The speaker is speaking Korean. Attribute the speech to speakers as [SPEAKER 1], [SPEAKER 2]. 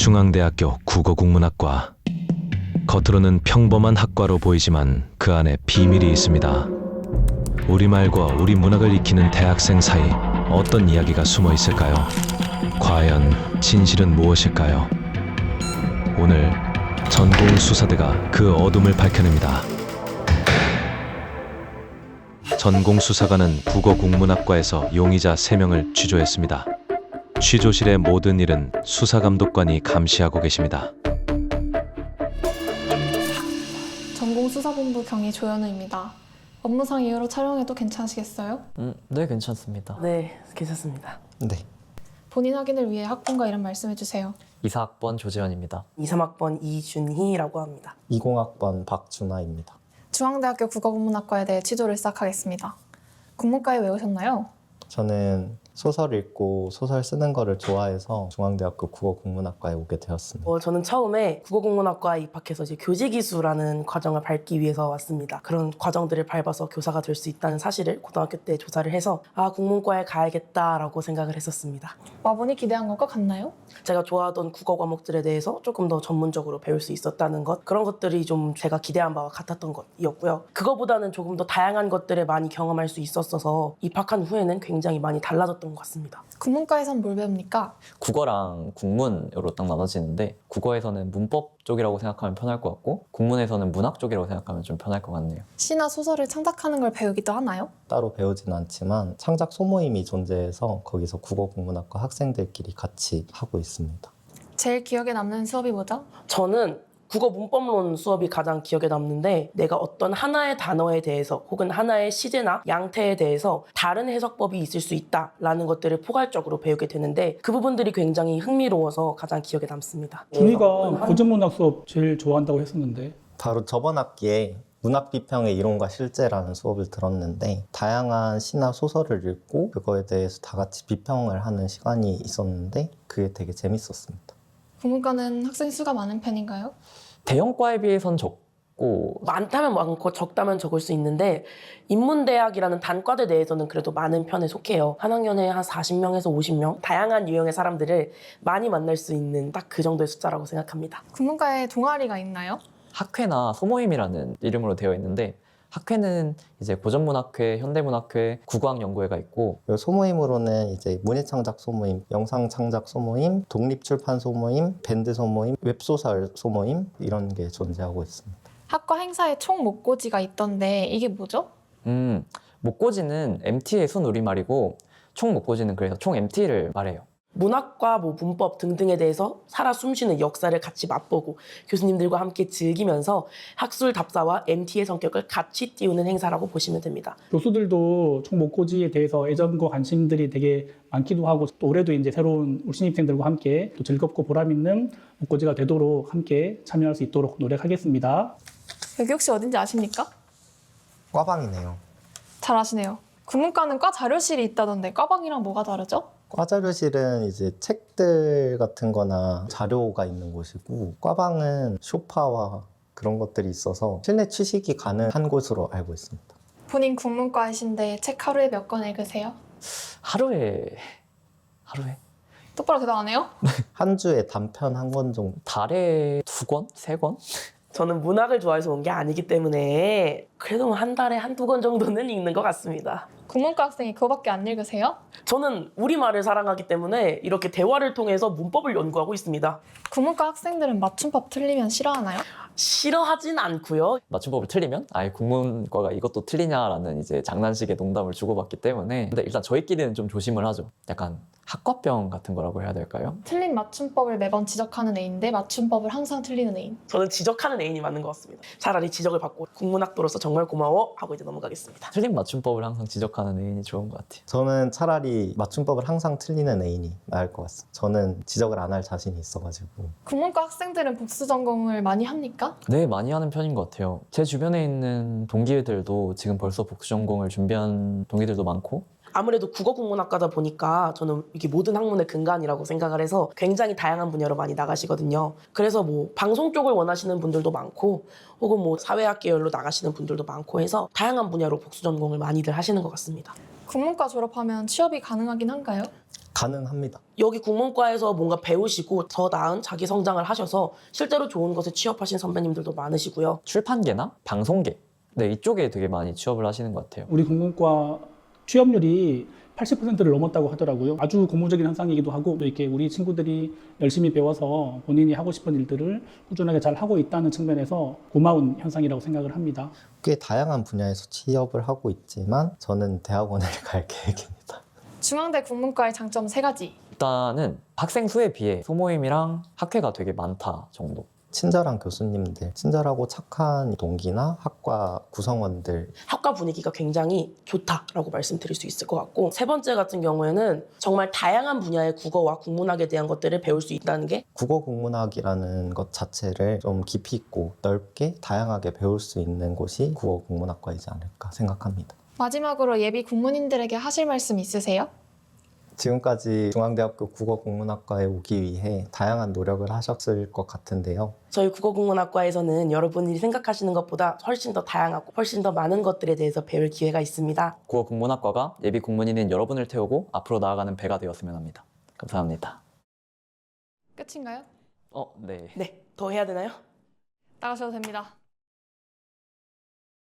[SPEAKER 1] 중앙대학교 국어국문학과. 겉으로는 평범한 학과로 보이지만 그 안에 비밀이 있습니다. 우리말과 우리 문학을 익히는 대학생 사이 어떤 이야기가 숨어 있을까요? 과연 진실은 무엇일까요? 오늘 전공 수사대가 그 어둠을 밝혀냅니다. 전공 수사관은 국어국문학과에서 용의자 3명을 취조했습니다. 취조실의 모든 일은 수사감독관이 감시하고 계십니다.
[SPEAKER 2] 전공수사본부 경위 조현우입니다. 업무상 이유로 촬영해도 괜찮으시겠어요?
[SPEAKER 3] 네, 괜찮습니다.
[SPEAKER 4] 네, 괜찮습니다.
[SPEAKER 5] 네.
[SPEAKER 2] 본인 확인을 위해 학번과 이름 말씀해주세요.
[SPEAKER 3] 이사학번 조재현입니다.
[SPEAKER 4] 23학번 이준희라고 합니다.
[SPEAKER 5] 20학번 박준하입니다.
[SPEAKER 2] 중앙대학교 국어국문학과에 대해 취조를 시작하겠습니다. 국문과에 왜 오셨나요?
[SPEAKER 5] 저는 소설 읽고 소설 쓰는 거를 좋아해서 중앙대학교 국어국문학과에 오게 되었습니다.
[SPEAKER 4] 저는 처음에 국어국문학과에 입학해서 이제 교직이수라는 과정을 밟기 위해서 왔습니다. 그런 과정들을 밟아서 교사가 될 수 있다는 사실을 고등학교 때 조사를 해서 국문과에 가야겠다라고 생각을 했었습니다.
[SPEAKER 2] 와보니 기대한 것과 같나요?
[SPEAKER 4] 제가 좋아하던 국어 과목들에 대해서 조금 더 전문적으로 배울 수 있었다는 것, 그런 것들이 좀 제가 기대한 바와 같았던 것이었고요. 그거보다는 조금 더 다양한 것들을 많이 경험할 수 있었어서 입학한 후에는 굉장히 많이 달라졌던 것 같습니다.
[SPEAKER 2] 국문과에선 뭘 배웁니까?
[SPEAKER 3] 국어랑 국문으로 딱 나눠지는데 국어에서는 문법 쪽이라고 생각하면 편할 것 같고 국문에서는 문학 쪽이라고 생각하면 좀 편할 것 같네요.
[SPEAKER 2] 시나 소설을 창작하는 걸 배우기도 하나요?
[SPEAKER 5] 따로 배우진 않지만 창작 소모임이 존재해서 거기서 국어국문학과 학생들끼리 같이 하고 있습니다.
[SPEAKER 2] 제일 기억에 남는 수업이 뭐죠?
[SPEAKER 4] 저는 국어 문법론 수업이 가장 기억에 남는데, 내가 어떤 하나의 단어에 대해서 혹은 하나의 시제나 양태에 대해서 다른 해석법이 있을 수 있다라는 것들을 포괄적으로 배우게 되는데, 그 부분들이 굉장히 흥미로워서 가장 기억에 남습니다.
[SPEAKER 6] 준이가 고전문학 수업 제일 좋아한다고 했었는데.
[SPEAKER 5] 바로 저번 학기에 문학 비평의 이론과 실제라는 수업을 들었는데 다양한 시나 소설을 읽고 그거에 대해서 다 같이 비평을 하는 시간이 있었는데 그게 되게 재밌었습니다.
[SPEAKER 2] 국문과는 학생 수가 많은 편인가요?
[SPEAKER 3] 대형과에 비해선 적고
[SPEAKER 4] 많다면 많고 적다면 적을 수 있는데, 인문대학이라는 단과대 내에서는 그래도 많은 편에 속해요. 한 학년에 한 40명에서 50명, 다양한 유형의 사람들을 많이 만날 수 있는 딱 그 정도의 숫자라고 생각합니다.
[SPEAKER 2] 국문과에 동아리가 있나요?
[SPEAKER 3] 학회나 소모임이라는 이름으로 되어 있는데 학회는 이제 고전문학회, 현대문학회, 국어학연구회가 있고
[SPEAKER 5] 소모임으로는 이제 문예창작 소모임, 영상창작 소모임, 독립출판 소모임, 밴드 소모임, 웹소설 소모임 이런 게 존재하고 있습니다.
[SPEAKER 2] 학과 행사에 총 목고지가 있던데 이게 뭐죠?
[SPEAKER 3] 목고지는 MT의 순우리말이고 총 목고지는 그래서 총 MT를 말해요.
[SPEAKER 4] 문학과 문법 등등에 대해서 살아 숨쉬는 역사를 같이 맛보고 교수님들과 함께 즐기면서 학술 답사와 MT의 성격을 같이 띄우는 행사라고 보시면 됩니다.
[SPEAKER 6] 교수들도 총목고지에 대해서 애정과 관심들이 되게 많기도 하고, 또 올해도 이제 새로운 우리 신입생들과 함께 또 즐겁고 보람 있는 목고지가 되도록 함께 참여할 수 있도록 노력하겠습니다.
[SPEAKER 2] 여기 혹시 어딘지 아십니까?
[SPEAKER 5] 과방이네요.
[SPEAKER 2] 잘 아시네요. 국문과는 과 자료실이 있다던데 과방이랑 뭐가 다르죠?
[SPEAKER 5] 과자료실은 이제 책들 같은 거나 자료가 있는 곳이고, 과방은 소파와 그런 것들이 있어서 실내 취식이 가능한 곳으로 알고 있습니다.
[SPEAKER 2] 본인 국문과이신데 책 하루에 몇 권 읽으세요?
[SPEAKER 3] 하루에
[SPEAKER 2] 똑바로 대답 안 해요?
[SPEAKER 5] 한 주에 단편 한 권 정도.
[SPEAKER 3] 달에 2권? 3권?
[SPEAKER 4] 저는 문학을 좋아해서 온 게 아니기 때문에 그래도 한 달에 한두 권 정도는 읽는 것 같습니다.
[SPEAKER 2] 국문과 학생이 그거밖에 안 읽으세요?
[SPEAKER 4] 저는 우리말을 사랑하기 때문에 이렇게 대화를 통해서 문법을 연구하고 있습니다.
[SPEAKER 2] 국문과 학생들은 맞춤법 틀리면 싫어하나요?
[SPEAKER 4] 싫어하진 않고요.
[SPEAKER 3] 맞춤법을 틀리면 아예 국문과가 이것도 틀리냐라는 이제 장난식의 농담을 주고받기 때문에 근데 일단 저희끼리는 좀 조심을 하죠. 약간 학과병 같은 거라고 해야 될까요?
[SPEAKER 2] 틀린 맞춤법을 매번 지적하는 애인데 맞춤법을 항상 틀리는 애인.
[SPEAKER 4] 저는 지적하는 애인이 맞는 것 같습니다. 차라리 지적을 받고 국문학도로서 정말 고마워 하고 이제 넘어가겠습니다.
[SPEAKER 3] 틀린 맞춤법을 항상 지적하는 애인이 좋은 것 같아요.
[SPEAKER 5] 저는 차라리 맞춤법을 항상 틀리는 애인이 나을 것 같습니다. 저는 지적을 안 할 자신이 있어가지고.
[SPEAKER 2] 국문과 학생들은 복수 전공을 많이 합니까?
[SPEAKER 3] 네, 많이 하는 편인 것 같아요. 제 주변에 있는 동기들도 지금 벌써 복수 전공을 준비한 동기들도 많고
[SPEAKER 4] 아무래도 국어국문학과다 보니까 저는 이게 모든 학문의 근간이라고 생각을 해서 굉장히 다양한 분야로 많이 나가시거든요. 그래서 뭐 방송 쪽을 원하시는 분들도 많고 혹은 뭐 사회학 계열로 나가시는 분들도 많고 해서 다양한 분야로 복수 전공을 많이들 하시는 것 같습니다.
[SPEAKER 2] 국문과 졸업하면 취업이 가능하긴 한가요?
[SPEAKER 5] 가능합니다.
[SPEAKER 4] 여기 국문과에서 뭔가 배우시고 더 나은 자기 성장을 하셔서 실제로 좋은 곳에 취업하신 선배님들도 많으시고요.
[SPEAKER 3] 출판계나 방송계 네, 이쪽에 되게 많이 취업을 하시는 것 같아요.
[SPEAKER 6] 우리 국문과 취업률이 80%를 넘었다고 하더라고요. 아주 고무적인 현상이기도 하고 또 이렇게 우리 친구들이 열심히 배워서 본인이 하고 싶은 일들을 꾸준하게 잘 하고 있다는 측면에서 고마운 현상이라고 생각을 합니다.
[SPEAKER 5] 꽤 다양한 분야에서 취업을 하고 있지만 저는 대학원을 갈 계획입니다.
[SPEAKER 2] 중앙대 국문과의 장점 3가지.
[SPEAKER 3] 일단은 학생 수에 비해 소모임이랑 학회가 되게 많다 정도.
[SPEAKER 5] 친절한 교수님들, 친절하고 착한 동기나 학과 구성원들
[SPEAKER 4] 학과 분위기가 굉장히 좋다라고 말씀드릴 수 있을 것 같고, 세 번째 같은 경우에는 정말 다양한 분야의 국어와 국문학에 대한 것들을 배울 수 있다는 게
[SPEAKER 5] 국어 국문학이라는 것 자체를 좀 깊이 있고 넓게 다양하게 배울 수 있는 곳이 국어 국문학과이지 않을까 생각합니다.
[SPEAKER 2] 마지막으로 예비 국문인들에게 하실 말씀 있으세요?
[SPEAKER 5] 지금까지 중앙대학교 국어국문학과에 오기 위해 다양한 노력을 하셨을 것 같은데요.
[SPEAKER 4] 저희 국어국문학과에서는 여러분이 생각하시는 것보다 훨씬 더 다양하고 훨씬 더 많은 것들에 대해서 배울 기회가 있습니다.
[SPEAKER 3] 국어 국문학과가 예비 국문인인 여러분을 태우고 앞으로 나아가는 배가 되었으면 합니다. 감사합니다.
[SPEAKER 2] 끝인가요?
[SPEAKER 3] 네.
[SPEAKER 4] 네, 더 해야 되나요?
[SPEAKER 2] 나가셔도 됩니다.